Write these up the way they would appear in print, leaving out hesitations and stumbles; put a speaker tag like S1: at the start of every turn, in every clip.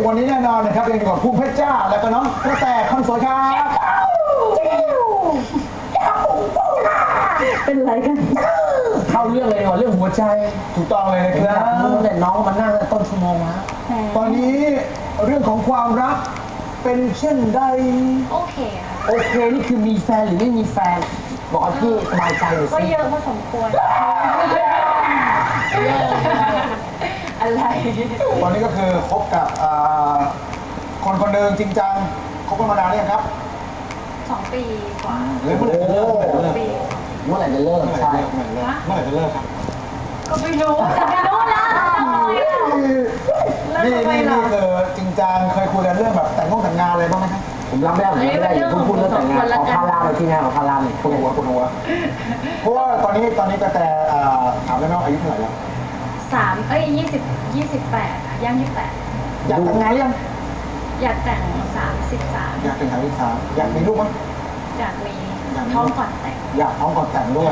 S1: วันนี้แน่นอนนะครับยังอยู่กับภูมิเพชรจ้าและก็น้องกระแตคนสวยครับ
S2: เป็นไรกัน
S3: เข้าเรื่องเลยว่ะเรื่องหัวใจ
S1: ถูกต้องเลยนะครับ
S3: แต่น้องมันนั่งต้นชั่วโมงแล้ว
S1: ตอนนี้เรื่องของความรักเป็นเช่นใด
S2: โอเคค่ะ
S3: โอเคนี่คือมีแฟนหรือไม่มีแฟนบอกพี่สบายใจหรือ
S2: ก็เยอะพอสมควรอะไร
S1: ตอนนี้ก็คือคบกับคนคนหนึ่งจริงจังคบกันมานานหรือยังครับ
S2: 2 ปีกว่า
S1: เมื่อไหร่จะเลิก
S3: เมื่อไหร่จะเลิกใช่
S1: เมื่อไหร่จะเลิกครับ
S2: ก็ไม่รู้จะไม่รู้นะ
S1: นี่คือจริงจังเคยคุยกันเรื่องแบบแต่งงานอะไรบ้างไหมครับ
S3: ผมรับไม่ได้พูดเรื่องแต่งงานขอพาราไปที่งานขอพาราหน่อย
S1: คุณหัวเพราะว่าตอนนี้กระแตถามได้ไหมว่าอายุเท่าไหร่แล้ว
S2: 28ย่าง28
S1: อยากแต่งงานยัง
S2: อยากแต่ง33
S1: อยากแต่งงาน33อยากมีลูกมั้ย
S2: อยากมีท้องก่อนแต่ง
S1: อยากท้องก่อนแต่งด้วย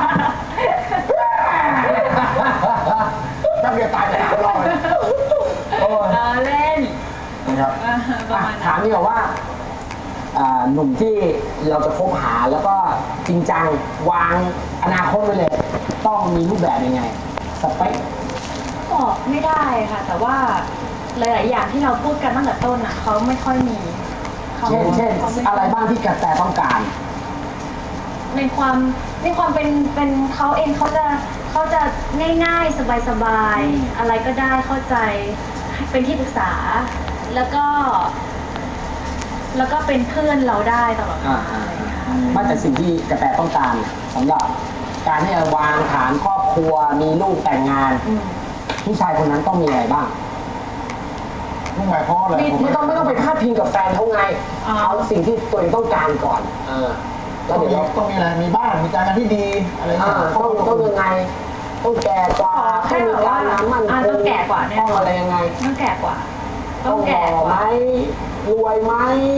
S1: แป๊บเดียวตายเลยรอเลย
S2: เล่น
S1: นะครับ
S3: ถามนี่บอกว่าหนุ่มที่เราจะคบหาแล้วก็จริงจังวางอนาคตไว้เลยต้องมีรูปแบบยังไงสเปค
S2: บอกไม่ได้ค่ะแต่ว่าหลายๆอย่างที่เราพูดกันตั้งแต่ต้นอ่ะเขาไม่ค่อยมี
S3: เช่นอะไรบ้างที่กระแตต้องการ
S2: ในความเป็นเขาเองเขาจะง่ายๆสบายๆอะไรก็ได้เข้าใจเป็นที่ปรึกษาแล้วก็เป็นเพื่อนเราได้ตลอด
S3: มาแต่สิ่งที่กระแตต้องการสำหรับการที่จะวางฐานครอบครัวมีลูกแต่งงานผู้ชายคนนั้นต้องมีอะไรบ้าง
S1: ลูกหมายเพราะอะไร
S3: ไม่ต้องไปพาดพิงกับแฟนเขาไงเอาสิ่งที่ตัวเองต้องการก่อน
S1: แล้วเดี๋ยวต้องมีอะไรมีบ้านมีการงานที่ดีอะไร
S3: ต้องยังไงต้องแก่กว่า
S2: ให้มีการงานมั่นคงต้องแก่กว่าเนี่ย
S3: ต้องอะไรยังไง
S2: ต้องแก่กว่า
S3: ต้องแก่ไหมรวยไหม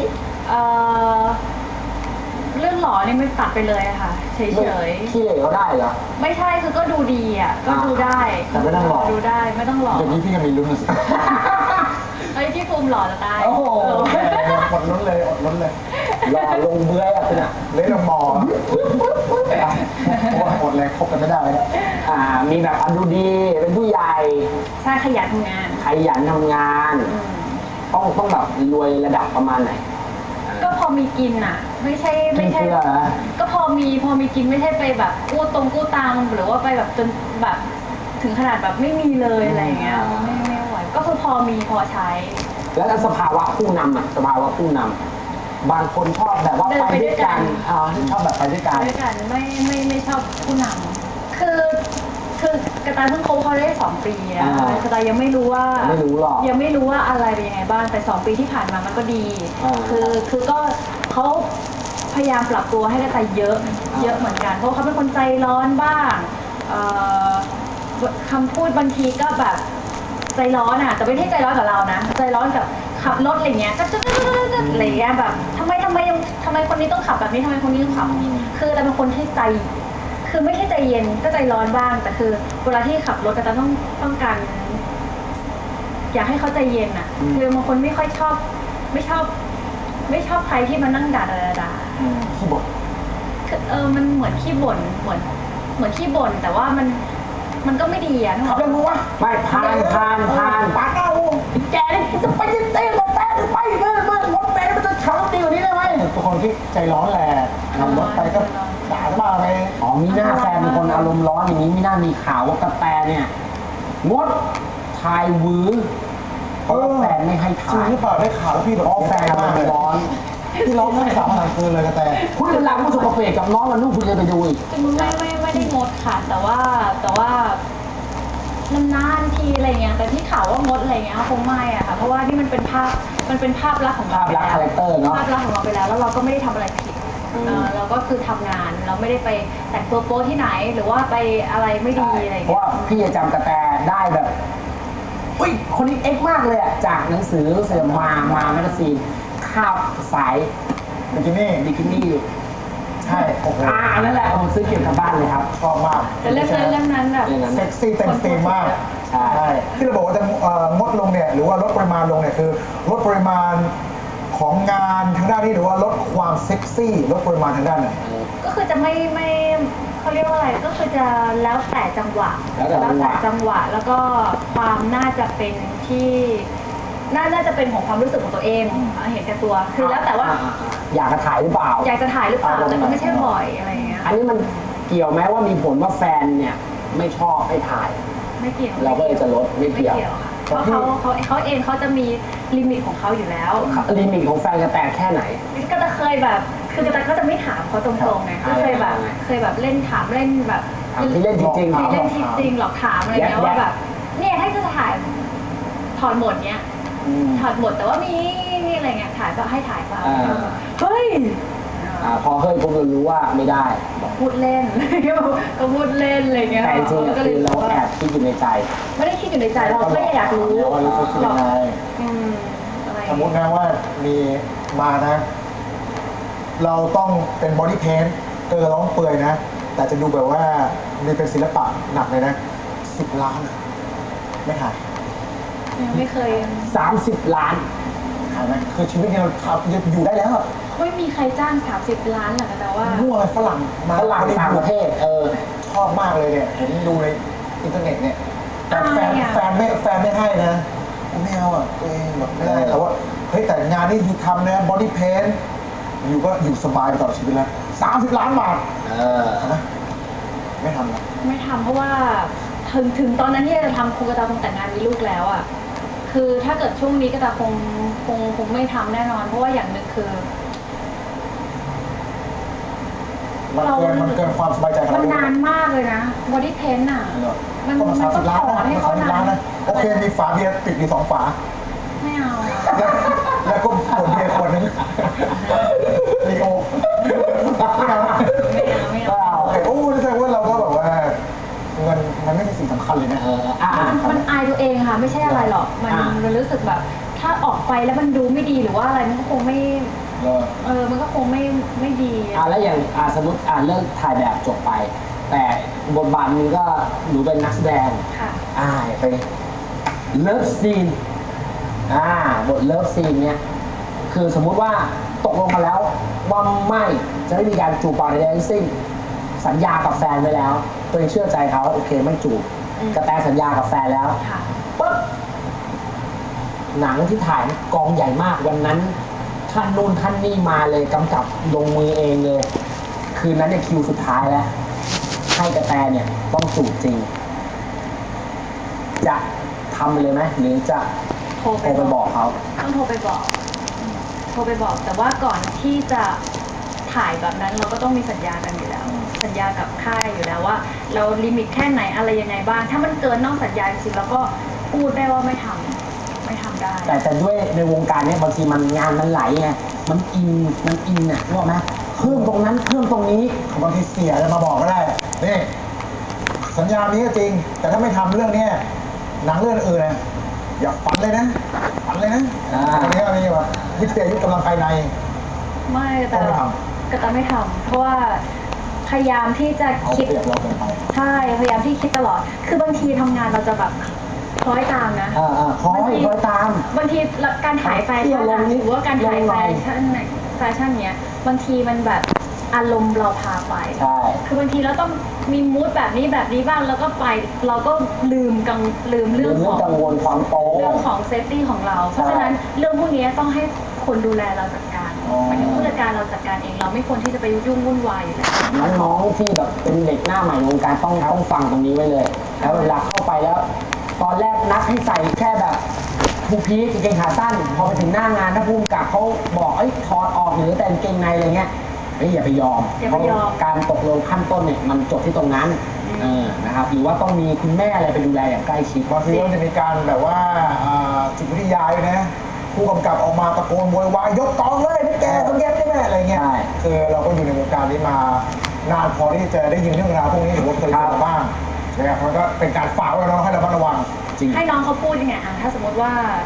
S2: เรื่องหล่อนี่ไม่ตัดไปเลยค่ะเฉย
S3: ๆขี้เหร่ก็ได้เหรอ
S2: ไม่ใช่คือก็ดูดีอ่ะก็ดูได้
S1: แต่ไม่ต้องหล่อ
S2: ดูได้ไม่ต้องหล่อ
S1: อย่างนี้พี่ก็มีลุ้นนะสิ
S2: ไอ้ที่ภูมิหล่อจะตาย
S1: โอ้โหอดลุ้นเลย
S3: หล่อลงเบื้อยอ่ะคุณอ่ะ
S1: เลยลงมอหมดเลยคบกันไม่ได้เลย
S3: มีแบบดูดีเป็นผู้ใหญ่
S2: ใช่ขยันทำง
S3: านต้องแบบรวยระดับประมาณไหน
S2: ก็พอมีกินอ่ะไม่ใช่ก็พอมีกินไม่ใช่ไปแบบกู้ตังหรือว่าไปแบบจนแบบถึงขนาดแบบไม่มีเลยอะไรเงี้ยไม่ไหวก็คือพอมีพอใช้
S3: แล้วสภาวะผู้นำบางคนชอบแบบว่าไปด้วยกันชอบแบบไปด้วยกัน
S2: ไม่ชอบผู้นำคือกระต่ายเพิ่งคบเขาได้2 ปีนะกระต่ายยังไม่รู้ว่ายังไม่รู้ว่าอะไรเป็นยังไงบ้างแต่2 ปีที่ผ่านมามันก็ดีคือก็เขาพยายามปรับตัวให้กระต่ายเยอะเหมือนกันเพราะเขาเป็นคนใจร้อนบ้างคำพูดบางทีก็แบบใจร้อนอ่ะแต่ไม่ใช่ใจร้อนกับเรานะใจร้อนกับขับรถอะไรเงี้ยก็อะไรเงี้ยแบบทำไมคนนี้ต้องขับแบบนี้ทำไมคนนี้ต้องขับคือเราเป็นคนที่ใจคือไม่ใช่ใจเย็นก็ใจร้อนบ้างแต่คือเวลาที่ขับรถก็จะต้องการอยากให้เขาใจเย็นอ่ะคือบางคนไม่ค่อยชอบไม่ชอบใครที่มานั่งด่า
S1: ขี้บ่น
S2: คือมันเหมือนขี้บ่นเหมือนขี้บ่นแต่ว่ามันก็ไม่ดีอ่ะ
S1: ขับเร็วมั้งวะ
S3: ไม่ผ่าน
S1: ปาเก้า
S3: แกนี่จะไปเต้นรถแต่ไปเมื่อรถแม่มันจะขับดีกว่านี้ได้ไหม
S1: ตัวคนที่ใจร้อนแหละขับรถไปก็ด่าบ้าไป
S3: มีหน้าแฟนเป็นคนอารมณ์ร้อนอย่างนี้มีหน้ามีข่าวว่ากระแตเนี่ยงดถ่ายวื้อเพราะแฟนไม่ให้ถ่าย
S1: หรือเปล่าได้ข่าวแล้วพี่แบบ
S3: แฟนอารมณ์ร้อน
S1: ที่ร้องให้สาวอะไรคืนเลยกระแต
S3: คุณเป็นหลังผู้สกปรกกับน้องมันลูกคุณจะไปดูอีก
S2: ไม่ได้งดค่ะแต่ว่านานๆทีอะไรเงี้ยแต่ที่ข่าวว่างดอะไรเงี้ยคงไม่อะค่ะเพราะว่านี่มันเป็นภาพลักษณ์ของเรา
S3: ภาพลักษณ์คาแรคเตอร์เนาะ
S2: ภาพลักษณ์ของเราไปแล้วเราก็ไม่ได้ทำอะไรผิดเราก็คือทำงานเราไม่ได้ไปแต่งตัวโป๊ที่ไหนหรือว่าไปอะไรไม่ดีอะไรเงี้ย
S3: เพราะว่าพี่จะจำกระแตได้แบบอุ้ยคนนี้เอ็กมากเลยอะจากหนังสือมาแมกกาซีนข้าวสาย
S1: บิกินี่ใช่โอ้โห
S3: นั่นแหละผมซื้อเก็บกลับบ้านเลยครับ
S1: ชอบมาก
S2: แต่เรื่องนั้นแบบ
S1: เซ็กซี่เต็มสตรีมมาก
S3: ใช่
S1: ที่เราบอกว่าจะงดลงเนี่ยหรือว่าลดปริมาณลงเนี่ยคือลดปริมาณของงานทางด้านนี้หรือว่าลดความเซ็กซี่ลดปริมาณทางด้านไหน
S2: ก็คือจะไม่เขาเรียกว่าอะไรก็คือจะแล้วแต่จังหวะ
S3: แล้วแต่จังหวะ
S2: แล้วก็ความน่าจะเป็นที่น่าจะเป็นของความรู้สึกของตัวเองเห็นแก่ตัวคือแล้วแต่ว่า
S3: อยากจะถ่ายหรือเปล่า
S2: อยากจะถ่ายหรือเปล่าแต่ก็ไม่ใช่บ่อยอะไรอย่างเงี้ย
S3: อันนี้มันเกี่ยวไหมว่ามีผลว่าแฟนเนี่ยไม่ชอบให้ถ่าย
S2: ไม่เกี่ยว
S3: เราก็เลยจะลดไม่เกี่ยว
S2: ค่ะเพราะเขาเองเขาจะมีลิมิตของเขาอยู่แล้ว
S3: ลิมิตของแฟนจะแตกแค่ไหน
S2: ก็จะเคยแบบคือกระแตก็จะไม่ถามเขาตรงๆไงก็เคยแบบเล่นถามเล่นแบบ
S3: ถามที่เล่นจริงๆ
S2: ที่เล่นจริงหรอกถามอะไรเงี้ยว่าแบบเนี่ยถ้าจะถ่ายถอดหมดเนี้ยถอดหมดแต่ว่ามีอะไรเงี้ยถ่ายก็ให้ถ่ายเปล่าเฮ้ย
S3: พอเฮ้ยผมรู้ว่าไม่ได้
S2: บอกพูดเล่น ก็พูดเล่นอะไรเงี้ย
S3: แต่จริงๆคือเราแอบคิดอยู่ในใจ
S2: ไม่ได้คิดอยู่ในใจเราแค่อยากรู้
S1: ว่ารู้สึกยังไง
S2: อะไร
S1: สมมตินะว่ามีมานะ เราต้องเป็นบอดี้เพนท์ร้องเปื่อยนะ แต่จะดูแบบว่ามีเป็นศิลปะหนักเลยนะ10 ล้านอะไม่ถ่าย
S2: ยังไม่เคย
S3: 30 ล้าน
S1: ถ่ายไหมคือชีวิตเนี่ยเราทำอยู่ได้แล้วอะ
S2: ไม่มีใครจ้าง30 ล้านหรอกแต่ว่า
S1: มั่วอะไรฝรั่งมา
S3: ฝรั่งต่างประเทศ
S1: ชอบมากเลยเนี่ยเห็นดูในอินเทอร์เน็ตเนี่ยแต่แฟนไม่ให้นะไม่เอาอ่ะตัวเองแบบไม่ได้แต่ว่าเฮ้ยแต่งานนี้อยู่ทำนะบอดี้เพนท์อยู่ก็อยู่สบายไปตลอดชีวิตแล้ว30 ล้านบาททำไหมไม่ทำนะ
S2: ไม่ทำเพราะว่าถึงตอนนั้นที่จะทำครูกระตาคงแต่งงานมีลูกแล้วอ่ะคือถ้าเกิดช่วงนี้กระตาคงไม่ทำแน่นอน เพราะว่าอย่างหนึ่งคือ
S1: มันเกินความสบายใจของ
S2: มัน
S1: เรา
S2: นานมากเลยนะบอดี้เพนท์อ่ะมัน
S1: ก็มา
S2: ต้อง
S1: 30 ล้าน
S2: ถอนให้เขา
S1: 30
S2: นา
S1: ล้าน
S2: น
S1: นะโอเคมีฝาเบียร์ติดอยู่2 ฝา
S2: ไม่เอา
S1: แล้วก็ขวดเบียร์ขวดนึงลีโอไม่เอา
S2: ไม่เอา
S1: โอ้นี่แสดงว่าเราก็แบบว่าเงินมันไม่ใช่สิ่งสำคัญเลยนะ
S2: มันอายตัวเองค่ะไม่ใช่อะไรหรอกมันรู้สึกแบบ ถ้าออกไปแล้วมันดูไม่ดีหรือว่าอะไรมันก็คงไม่มันก็คงไม่ดี
S3: แล้วอย่างสมมติเลิกถ่ายแบบจบไป แต่บทบาทนึงก็หนูเป็นนักแสดง
S2: ค่ะ
S3: ไปเลิฟซีนบทเลิฟซีนเนี้ยคือสมมุติว่าตกลงมาแล้วว่าไม่จะไม่มีการจูบปากใดๆทั้งสิ้นสัญญากับแฟนไว้แล้วตัวเองเชื่อใจเขาโอเคไม่จูบกระแตสัญญากับแฟนแล้ว
S2: ค่ะ
S3: ปุ๊บหนังที่ถ่ายกองใหญ่มากวันนั้นท่านนู่นท่านนี่มาเลยกำกับลงมือเองเลย คืนนั้นเนี่ยคิวสุดท้ายแล้วให้กระแตเนี่ยต้องจูบจริง จะทำไปเลยไหมหรือจะโทรไปบอกเขา
S2: ต้องโทรไปบอกแต่ว่าก่อนที่จะถ่ายแบบนั้นเราก็ต้องมีสัญญากันอยู่แล้ว สัญญากับค่ายอยู่แล้วว่า เราลิมิตแค่ไหนอะไรยังไงบ้างถ้ามันเกินนอกสัญญาจริงๆเราก็พูดได้ว่าไม่ทำได้
S3: แต่ด้วยในวงการเนี่ยบางทีมันงานมันไหลไงมันอินอ่ะรู้ไหมเพิ่มตรงนั้นเพิ่มตรงนี้
S1: บางทีเสียจะมาบอกก็ได้นี่สัญญานี้ก็จริง แต่ถ้าไม่ทำเรื่องเนี้ยหนังเรื่องอื่นนะอย่าฝันเลยนะอันนี้ก็มีว่าวิทยายุทธกำลังภายใน
S2: ไม่แต่ก็จะไม่ทำเพราะว่าพยายามที่จะ
S1: เอา
S2: คิด
S1: เปรียบเราเกินไป
S2: ใช่พยายามที่คิดตลอด คือบางทีทำงานเราจะแบบคล้อยตามนะ
S3: คอยตาม
S2: บางทีการถ่ายแฟชั่นอะหรือว่าการถ่ายแฟชั่นเนี้ยบางทีมันแบบอารมณ์เราพาไป
S3: ใช่
S2: คือบางทีเราต้องมีมูดแบบนี้บ้างแล้วก็ไปเราก็ลืมเรื่องของ
S3: กังวลความโป๊
S2: เรื่องของเซฟตี้ของเรา เพราะฉะนั้นเรื่องพวกนี้ต้องให้คนดูแลเราจัดการหมายถึงผู้จัดการเราจัดการเองเราไม่ควรที่จะไปยุ่งวุ่นวายอยู่แล้ว
S3: น้องๆที่แบบเป็นเด็กหน้าใหม่ในวงการต้องฟังตรงนี้ไว้เลย แล้วเวลาเข้าไปแล้ว ตอนแรกนัดให้ใส่แค่แบบทูพีซกางเกงขาสั้นพอไปถึงหน้างานถ้าภูมิกับเขาบอกถอดออกหรือแต่กางเกงในอะไรเงี้ยอย่าไปยอมเพราะการตกลงขั้นต้นเนี่ยมันจบที่ตรงนั้นนะครับหรือว่าต้องมีคุณแม่อะไรไปดูแลอย่างใกล้ชิด
S1: บางทีก็จะมีการแบบว่าจิตวิทยาด้วยนะผู้กำกับออกมาตะโกนโวยวายยกกองเลยนี่แกต้องแย่ใช่ไหมอะไรเงี้ยคือเราก็อยู่ในวงการนี้มานานพอที่จะได้ยินเรื่องราวพวกนี้หรือว่าเคยเจอมาบ้างนะครับมันก็เป็นการฝากไว้เราให้ระมัดระวัง
S3: จริง
S2: ให้น้องเขาพูดยังไงถ้าสมมติว่า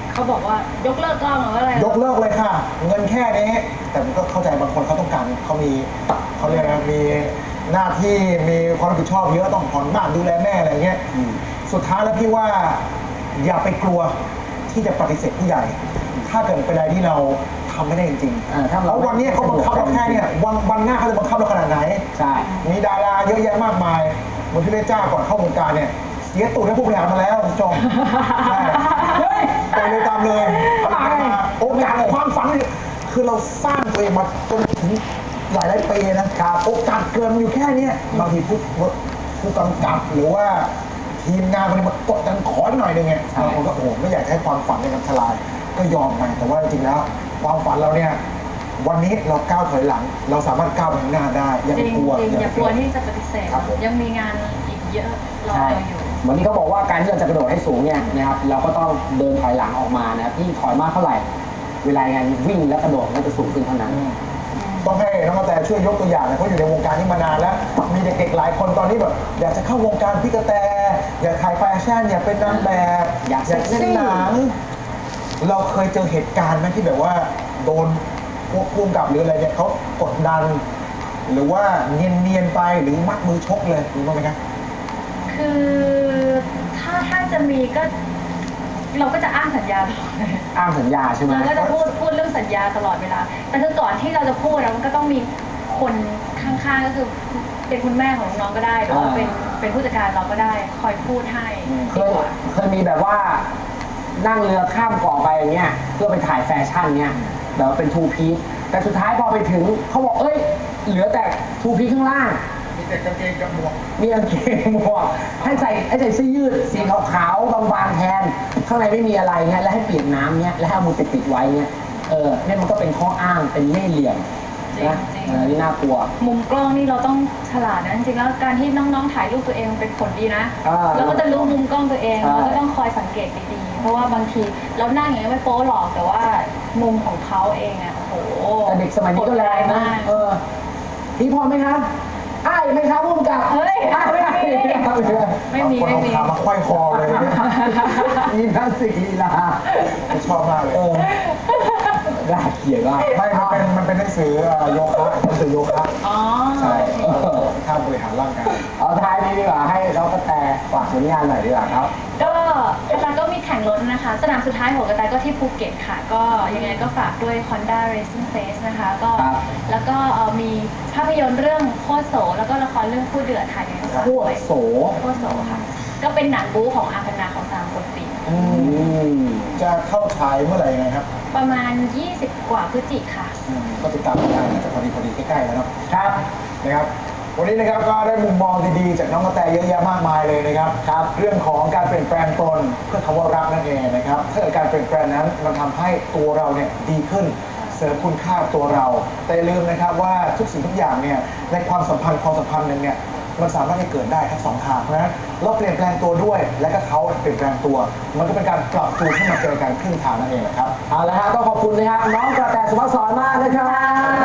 S2: เขาบอกว่ายกเลิกกล้องหรือว่าอะไร
S1: ยกเลิกเลยค่ะ เงินแค่นี้ แต่ผมก็เข้าใจบางคนเขาต้องการเขามีเขาเรียกนะมีหน้าที่มีความรับผิดชอบเยอะต้องผ่อนบ้านดูแลแม่อะไรเงี้ยสุดท้ายแล้วพี่ว่าอย่าไปกลัวที่จะปฏิเสธผู้ใหญ่ ถ้าเกิดเป็นอะไรที่เราทำไม่ได้จริงๆ
S3: ถ้า
S1: เพ
S3: เรา
S1: ราะวันนี้เขาบังคับเราแค่เนี่ยวันหน้าเขาจะบังคับเราขนาดไหน
S3: ใช่
S1: มีดาราเยอะแยะมากมายเหมือนพี่เพชรจ้าก่อนเข้าวงการเนี่ยเสียตูดให้ผู้บริหารมาแล้วคุณผู้ชมใช่
S3: เฮ้ย
S1: ไปเลยตามเลยโอกาสความฝันเนี่ยคือเราสร้างตัวเองมาจนถึงหลายปีนะครับโอกาสเกินมันอยู่แค่เนี้ยบางทีผู้กำกับหรือว่าทีมงานมันมากดดันขอหน่อยนึงไงบางคนก็โอ้โหไม่อยากให้ความฝันในการทลายก็ยอมไปแต่ว่าจริงๆแล้วความฝันเราเนี่ยวันนี้เราก้าวถอยหลัง เราสามารถก้าวไปข้างหน้าได้อย่า
S2: จ
S1: ไป
S2: ริง
S1: กลัว
S2: จริงอย่ากลัวที่จะปฏิเสธ
S1: ครับผม
S2: ยังมีงานอีกเยอะรอ
S3: ใช่
S2: เราอยู่
S3: เหมือนที่เขาบอกว่าการที่เราจะกระโดดให้สูงเนี่ยนะครับเราก็ต้องเดินถอยหลังออกมานะครับยิ่งถอยมากเท่าไหร่ เวลางานวิ่งและกระโดดก็จะสูงขึ้นเท่านั้น
S1: ต้องให้น้องกระแตช่วยยกตัวอย่างนะเพราะอยู่ในวงการนี้มานานแล้ว มีเด็กๆหลายคนตอนนี้แบบอยากจะเข้าวงการพี่กระแต อยากถ่ายแฟชั่นอยากเป็นนางแบบ
S3: อยากเซ็กซี่
S1: เล่นหนังเราเคยเจอเหตุการณ์ไหมที่แบบว่าโดนพวกพุ่มกับหรืออะไรเนี่ยเขากดดัน หรือว่าเนียนๆไปหรือมัดมือชกเลยรู้บ้างไหมครับ
S2: คือถ้าจะมีก็เราก็จะอ้างสัญญาตลอดเลย
S3: อ้างสัญญาใช่ไหม
S2: เราก็จะพูดเรื่องสัญญาตลอดเวลา แต่คือก่อนที่เราจะพูดนะมันก็ต้องมีคนข้างๆก็คือเป็นคุณแม่ของน้องๆก็ได้หรือว่าเป็นผู้จัดการเราก็ได้คอยพูดให้
S3: เค
S2: ดี
S3: ย
S2: กว่า
S3: เคยมีแบบว่านั่งเรือข้ามเกาะไปอย่างเงี้ยเพื่อไปถ่ายแฟชั่นเนี่ยแบบว่าเป็นทูพีซแต่สุดท้ายพอไปถึงเขาบอกเอ้ยเหลือแต่ทูพีซข้างล่าง
S1: มีแต่กางเกงกับหมวก
S3: มีกางเกงหมวกให้ใส่เสื้อยืดสีขาวๆบางๆแทนข้างในไม่มีอะไรเงี้ยแล้วให้เปียกน้ำเงี้ยแล้วให้เอามือปิดไว้เงี้ยเนี่ยมันก็เป็นข้ออ้างเป็นเล่ห์เหลี่ยมนะนี่น่ากลัว
S2: มุมกล้องนี่เราต้องฉลาดนะจริงๆแล้วการที่น้องๆถ่ายรูปตัวเองเป็นผลดีนะเราก็จะรู้มุมกล้องตัวเองเราก็ต้องคอยสังเกตดีๆเพราะว่าบางทีเรานั่งอย่างนี้ไม่โป๊หรอกแต่ว่ามุมของเขาเองอ่ะโอ้โห
S3: แต่เด็กสมัยนี้ก็แรงนะ
S2: มาก
S3: พี่พรไหมครับอ้ายไหมครับพุ่มกับ
S2: เฮ้ย
S3: อ้ายไม่ได้
S2: ไม่มี
S1: คนเอาขามาควายคอเลยเนี่ย
S3: มีพลาสติกลีลา
S1: ชอบมากเลย
S3: น่าเกลียดมาก
S1: ไม่มันเป็นหนังสือโยคะหนังสือโยคะ
S2: อ๋อ
S1: ใช่ท่าบริหารร่างกาย
S3: เอาท้ายนี้ดีกว่าให้น้องกระแตฝากผลงานหน่อยดีกว่าครับ
S2: ก็กระแตก็มีแข่งรถนะคะ สนามสุดท้ายของกระแตก็ที่ภูเก็ตค่ะ ก็ยังไงก็ฝากด้วย Honda Racing Face นะคะก็
S3: ครับ
S2: แล้วก็มีภาพยนตร์เรื่องโคตรโสแล้วก็ละครเรื่องคู่เดือดค่ะยังไงก็ฝาก
S3: โค
S2: ด้
S3: ต
S2: ว
S3: ร
S2: ย
S3: โส
S2: โคตรโสค่ะ ก็เป็นหนังบู๊ของอาคณาของสามคนปี
S3: อืม
S1: จะเข้าฉายเมื่อไหร่ยังไงครับ
S2: ประมาณ 20 กว่าพฤศจิกค่ะ
S1: ก็ติดตามกันได้น่าจะพอดีใกล้ๆแล้วเนาะ
S3: ครับ
S1: นะครับ วันนี้นะครับก็ได้มุมมองดีๆจากน้องกระแตเยอะแยะมากมายเลยนะครับครับ เรื่องของการเปลี่ยนแปลงตนเพื่อคำว่ารักนั่นเองนะครับถ้าเกิดการเปลี่ยนแปลงนั้นมันทำให้ตัวเราเนี่ยดีขึ้น เสริมคุณค่าตัวเรา แต่อย่าลืมนะครับว่าทุกสิ่งทุกอย่างเนี่ยในความสัมพันธ์หนึ่งเนี่ยมันสามารถให้เกิดได้ทั้งสองทางเพราะฉะนั้นเราเปลี่ยนแปลงตัวด้วย และก็เขาเปลี่ยนแปลงตัว มันก็เป็นการปรับจูนให้มาเจอกันครึ่งทางนั่นเองนะครับ
S3: เอาละฮะต้องขอบคุณนะครับน้องกระแตสุภาพสอนมากนะครับ